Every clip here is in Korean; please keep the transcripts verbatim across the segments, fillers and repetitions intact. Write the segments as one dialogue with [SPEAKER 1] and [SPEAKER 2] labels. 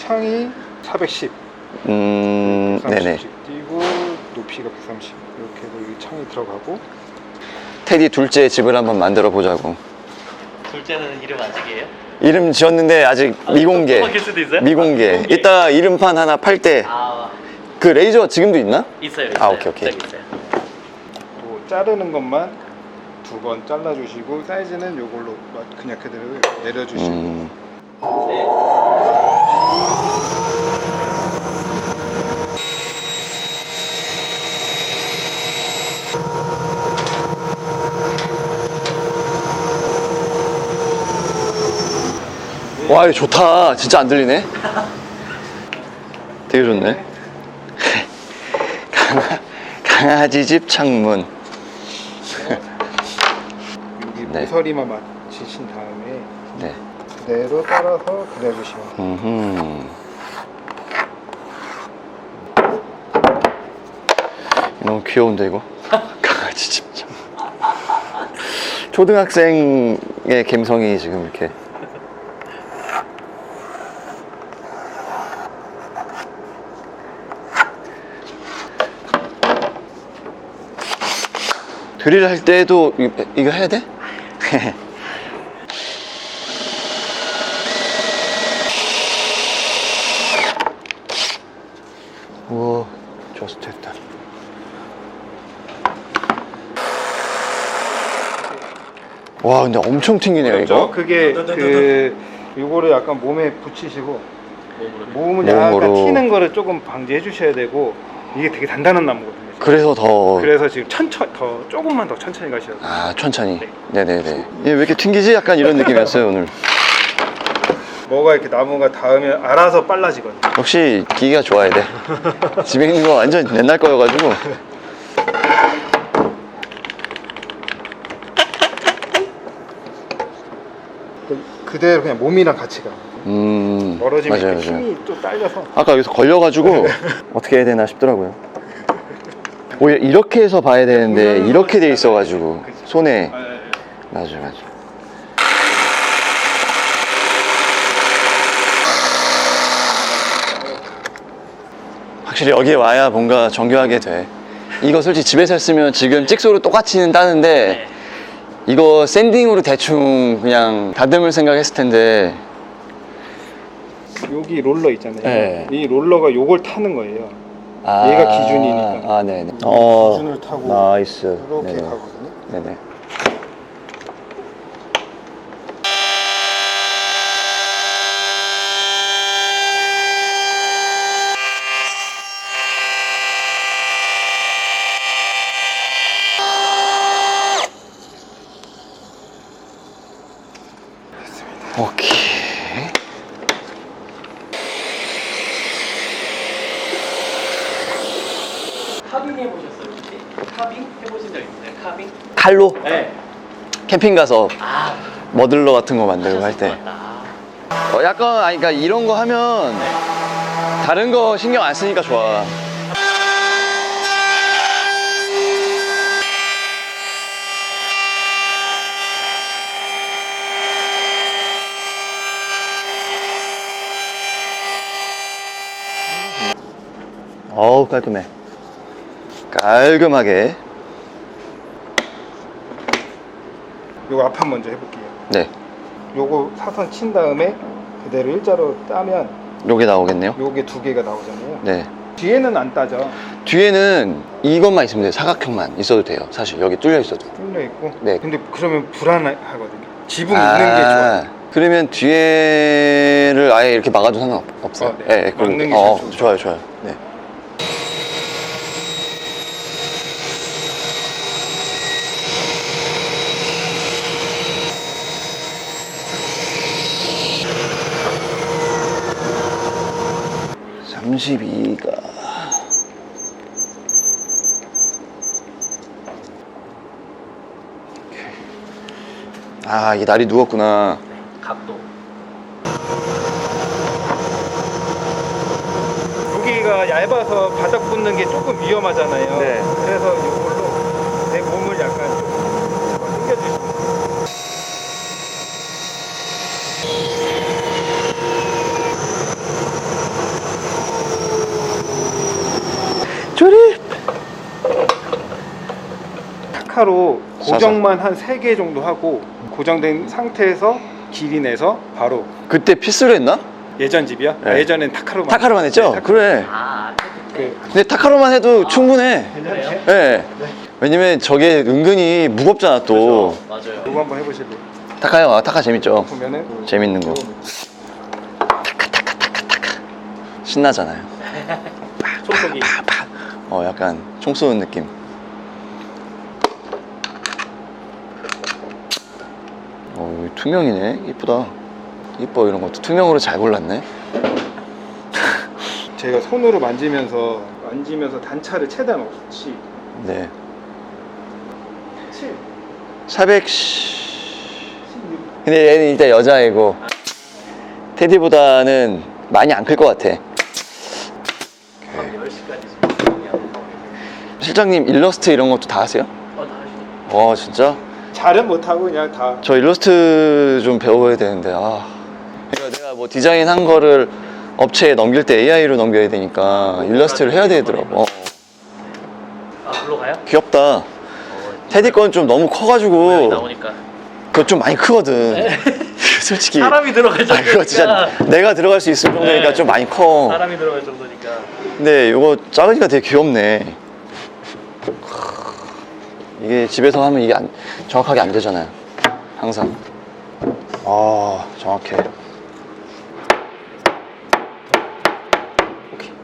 [SPEAKER 1] 창이 사백십.
[SPEAKER 2] 음, 네네.
[SPEAKER 1] 띄고 높이가 백삼십. 이렇게 해서 이 창이 들어가고.
[SPEAKER 2] 테디 둘째 집을 한번 만들어 보자고.
[SPEAKER 3] 둘째는 이름 아직이에요?
[SPEAKER 2] 이름 지었는데 아직
[SPEAKER 3] 아,
[SPEAKER 2] 미공개.
[SPEAKER 3] 또 바뀔 수도 있어요?
[SPEAKER 2] 미공개.
[SPEAKER 3] 아, 미공개.
[SPEAKER 2] 이따 이름판 하나 팔 때.
[SPEAKER 3] 아,
[SPEAKER 2] 그 레이저 지금도 있나?
[SPEAKER 3] 있어요, 있어요.
[SPEAKER 2] 아, 오케이, 오케이.
[SPEAKER 3] 저기 있어요.
[SPEAKER 1] 또 자르는 것만 두 번 잘라주시고 사이즈는 이걸로 그냥 그대로 내려주시고.
[SPEAKER 2] 음. 와, 이거 좋다. 진짜 안 들리네. 되게 좋네. 강아, 강아지 집 창문.
[SPEAKER 1] 여기
[SPEAKER 2] 네.
[SPEAKER 1] 모서리만 맞추신 다음에
[SPEAKER 2] 네.
[SPEAKER 1] 그대로 따라서 그려주시면 돼요.
[SPEAKER 2] 음흠. 너무 귀여운데 이거? 강아지 집 창문. 초등학생의 감성이 지금 이렇게. 드릴 할 때도 이- 이거 해야 돼? 우와, 좋았어, 됐다. 와, 근데 엄청 튕기네요,
[SPEAKER 1] 그렇죠?
[SPEAKER 2] 이거.
[SPEAKER 1] 그게 그 요거를 약간 몸에 붙이시고 몸을
[SPEAKER 2] 몸으로.
[SPEAKER 1] 약간 튀는 거를 조금 방지해 주셔야 되고 이게 되게 단단한 나무거든요. 지금.
[SPEAKER 2] 그래서 더.
[SPEAKER 1] 그래서 지금 천천 더 조금만 더 천천히 가셔야 돼요.
[SPEAKER 2] 아, 천천히.
[SPEAKER 1] 네.
[SPEAKER 2] 네네네. 얘 왜 이렇게 튕기지? 약간 이런 느낌이었어요, 오늘.
[SPEAKER 1] 뭐가 이렇게 나무가 닿으면 알아서 빨라지거든요.
[SPEAKER 2] 역시 기계가 좋아야 돼. 집에 있는 거 완전 옛날 거여가지고.
[SPEAKER 1] 그대로 그냥 몸이랑 같이 가.
[SPEAKER 2] 음.
[SPEAKER 1] 멀어지면
[SPEAKER 2] 맞아요,
[SPEAKER 1] 이렇게
[SPEAKER 2] 맞아요.
[SPEAKER 1] 힘이 또 딸려서.
[SPEAKER 2] 아까 여기서 걸려가지고 어떻게 해야 되나 싶더라고요. 오히려 이렇게 해서 봐야 되는데 이렇게 돼 있어가지고 손에.
[SPEAKER 1] 아, 예, 예.
[SPEAKER 2] 맞아, 맞아. 확실히 여기에 와야 뭔가 정교하게 돼. 이거 솔직히 집에서 했으면 지금 찍소로 똑같이는 따는데
[SPEAKER 3] 네.
[SPEAKER 2] 이거 샌딩으로 대충 그냥 다듬을 생각했을 텐데.
[SPEAKER 1] 여기 롤러 있잖아요.
[SPEAKER 2] 네.
[SPEAKER 1] 이 롤러가 요걸 타는 거예요.
[SPEAKER 2] 아,
[SPEAKER 1] 얘가 기준이니까.
[SPEAKER 2] 아, 네네. 어,
[SPEAKER 1] 기준을 타고
[SPEAKER 2] 나이스.
[SPEAKER 1] 이렇게
[SPEAKER 2] 네네.
[SPEAKER 1] 가거든요.
[SPEAKER 2] 네네. 오케이.
[SPEAKER 3] 카빙 해보셨어요, 혹시? 카빙 해보신 적 있어요? 카빙?
[SPEAKER 2] 칼로
[SPEAKER 3] 네.
[SPEAKER 2] 캠핑 가서
[SPEAKER 3] 아,
[SPEAKER 2] 머들러 같은 거 만들고 할 때.
[SPEAKER 3] 하셨을 것 같다.
[SPEAKER 2] 어, 약간, 아니, 그러니까 이런 거 하면 다른 거 신경 안 쓰니까 좋아. 어우, 깔끔해. 깔끔하게.
[SPEAKER 1] 요거 앞판 먼저 해볼게요.
[SPEAKER 2] 네.
[SPEAKER 1] 요거 사선 친 다음에 그대로 일자로 따면
[SPEAKER 2] 요게 나오겠네요.
[SPEAKER 1] 요게 두 개가 나오잖아요.
[SPEAKER 2] 네.
[SPEAKER 1] 뒤에는 안 따져.
[SPEAKER 2] 뒤에는 이것만 있으면 돼요. 사각형만 있어도 돼요. 사실 여기 뚫려 있어도.
[SPEAKER 1] 뚫려 있고.
[SPEAKER 2] 네.
[SPEAKER 1] 근데 그러면 불안하거든요. 지붕 있는 게 좋아요.
[SPEAKER 2] 그러면 뒤에를 아예 이렇게 막아도 상관없어요.
[SPEAKER 1] 어, 네.
[SPEAKER 2] 그럼-
[SPEAKER 1] 막는 게
[SPEAKER 2] 어,
[SPEAKER 1] 제일 좋죠.
[SPEAKER 2] 좋아요, 좋아요. 네. 삼십이가 아, 이게 날이 누웠구나.
[SPEAKER 3] 각도.
[SPEAKER 1] 여기가 얇아서 바닥 붙는 게 조금 위험하잖아요.
[SPEAKER 2] 네.
[SPEAKER 1] 그래서 이걸로 내 몸을 약간 좀 잡아 당겨주시면 돼요. 타카로 고정만 한 세 개 정도 하고 고정된 상태에서 길이 내서 바로
[SPEAKER 2] 그때 피스로 했나?
[SPEAKER 1] 예전 집이요?
[SPEAKER 2] 네.
[SPEAKER 1] 아, 예전엔 타카로만
[SPEAKER 2] 타카로만 했죠?
[SPEAKER 1] 네, 타카로.
[SPEAKER 2] 그래.
[SPEAKER 3] 아,
[SPEAKER 1] 그,
[SPEAKER 2] 근데 타카로만 해도 충분해.
[SPEAKER 1] 괜찮으세요?
[SPEAKER 2] 예. 왜냐면 저게 은근히 무겁잖아 또.
[SPEAKER 3] 맞아요.
[SPEAKER 1] 이거 한번 해보실래요?
[SPEAKER 2] 타카요. 아, 타카 재밌죠.
[SPEAKER 1] 보면은
[SPEAKER 2] 재밌는 거. 신나잖아요.
[SPEAKER 3] 총소기.
[SPEAKER 2] 팍팍. 어, 약간 총 쏘는 느낌. 어, 여기 투명이네. 이쁘다. 이뻐, 이런 것도 투명으로 잘 골랐네.
[SPEAKER 1] 제가 손으로 만지면서 만지면서 단차를 최대한 없이
[SPEAKER 2] 네.
[SPEAKER 1] 칠,
[SPEAKER 2] 사백.
[SPEAKER 1] 십육.
[SPEAKER 2] 근데 얘는 일단 여자애고 테디보다는 많이 안 클 것 같아.
[SPEAKER 3] 밤 열 시까지 지금
[SPEAKER 2] 실장님 일러스트 이런 것도 다 하세요?
[SPEAKER 3] 어, 다 하시네.
[SPEAKER 2] 와 진짜?
[SPEAKER 1] 잘은 못하고 그냥 다
[SPEAKER 2] 저 일러스트 좀 배워야 되는데 아. 그러니까 내가 뭐 디자인 한 거를 업체에 넘길 때 에이아이로 넘겨야 되니까 일러스트를 해야 되더라고. 어,
[SPEAKER 3] 아, 글로 가요?
[SPEAKER 2] 귀엽다.
[SPEAKER 3] 어,
[SPEAKER 2] 테디 건 좀 너무
[SPEAKER 3] 모양이
[SPEAKER 2] 커가지고
[SPEAKER 3] 나오니까.
[SPEAKER 2] 그거 좀 많이 크거든. 솔직히.
[SPEAKER 3] 사람이 들어갈
[SPEAKER 2] 아,
[SPEAKER 3] 정도니까.
[SPEAKER 2] 그거 진짜 내가 들어갈 수 있을 정도니까
[SPEAKER 3] 네.
[SPEAKER 2] 좀 많이 커.
[SPEAKER 3] 사람이 들어갈 정도니까.
[SPEAKER 2] 근데 이거 작으니까 되게 귀엽네. 이게 집에서 하면 이게 안, 정확하게 안 되잖아요. 항상. 아, 정확해. 오케이.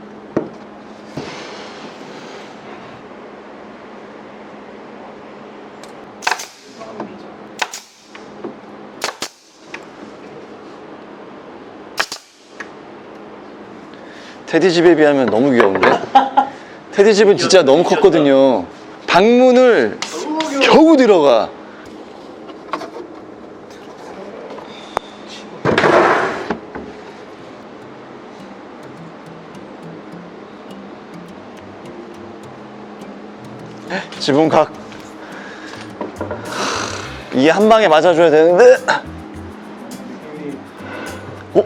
[SPEAKER 2] 테디 집에 비하면 너무 귀여운데? 테디 집은 진짜 너무 컸거든요. 방문을 겨우 들어가. 지붕각. 이게 한 방에 맞아줘야 되는데. 어?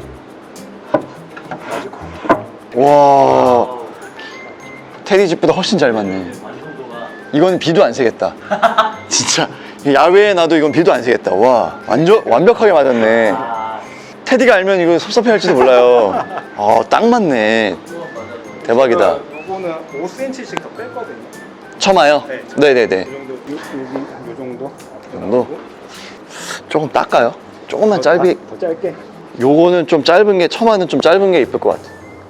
[SPEAKER 2] 와. 테디 집보다 훨씬 잘 맞네.
[SPEAKER 3] 완성도가.
[SPEAKER 2] 이건 비도 안 새겠다. 진짜 야외에 놔도 이건 비도 안 새겠다. 와 완전 완벽하게 맞았네.
[SPEAKER 3] 아,
[SPEAKER 2] 테디가 알면 이거 섭섭해할지도 몰라요. 아 딱 맞네. 대박이다.
[SPEAKER 1] 요거는 오 센티미터씩 더 뺐거든요.
[SPEAKER 2] 처마요?
[SPEAKER 1] 네.
[SPEAKER 2] 네네네.
[SPEAKER 1] 이 정도, 요, 여기 요 정도.
[SPEAKER 2] 이 정도? 조금 닦아요. 조금만 짧이.
[SPEAKER 1] 더 짧게.
[SPEAKER 2] 요거는 좀 짧은 게 처마는 좀 짧은 게 이쁠 것 같아.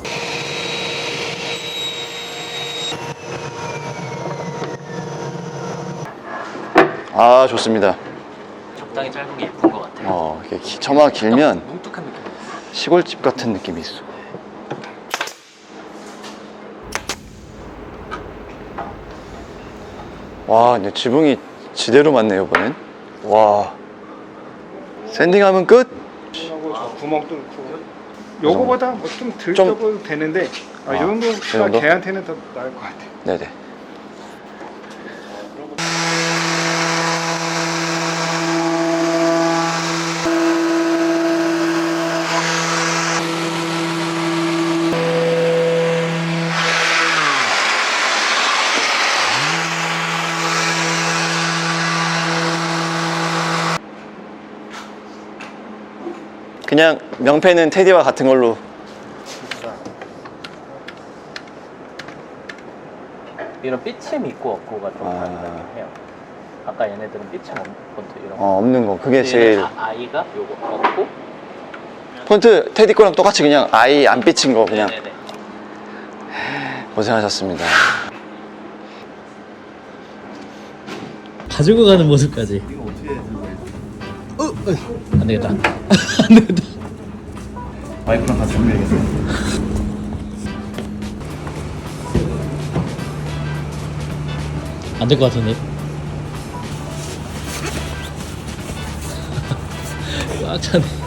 [SPEAKER 2] 아 좋습니다.
[SPEAKER 3] 적당히 짧은 게 예쁜 것 같아요.
[SPEAKER 2] 어 이렇게 기- 처마가 길면
[SPEAKER 3] 뭉툭한 느낌.
[SPEAKER 2] 시골집 같은 느낌이 있어. 와, 근데 지붕이 지대로 맞네요, 이번엔. 와. 샌딩하면 끝?
[SPEAKER 1] 하고 저 구멍 뚫고. 요거보다 뭐 좀 덜
[SPEAKER 2] 좀-
[SPEAKER 1] 써도 되는데 아,
[SPEAKER 2] 아,
[SPEAKER 1] 요
[SPEAKER 2] 이
[SPEAKER 1] 정도가
[SPEAKER 2] 정도?
[SPEAKER 1] 걔한테는 더 나을 것 같아요.
[SPEAKER 2] 네네. 그냥 명패는 테디와 같은 걸로.
[SPEAKER 3] 이런 삐침 있고 없고가 좀
[SPEAKER 2] 아.
[SPEAKER 3] 다르긴 해요. 아까 얘네들은 삐침 없는 폰트 이런 거.
[SPEAKER 2] 어, 없는 거. 그게
[SPEAKER 3] 얘는
[SPEAKER 2] 제일.
[SPEAKER 3] 아, 아이가 요거 없고.
[SPEAKER 2] 폰트 테디 거랑 똑같이 그냥 아이 안 삐친 거 그냥.
[SPEAKER 3] 네네네.
[SPEAKER 2] 고생하셨습니다.
[SPEAKER 3] 가지고 가는 모습까지. 이거 어떻게 어, 어. 안 되겠다. 안 되겠다.
[SPEAKER 2] 와이프랑 같이 준비해야겠어.
[SPEAKER 3] 안 될 것 같은데. 꽉 차네.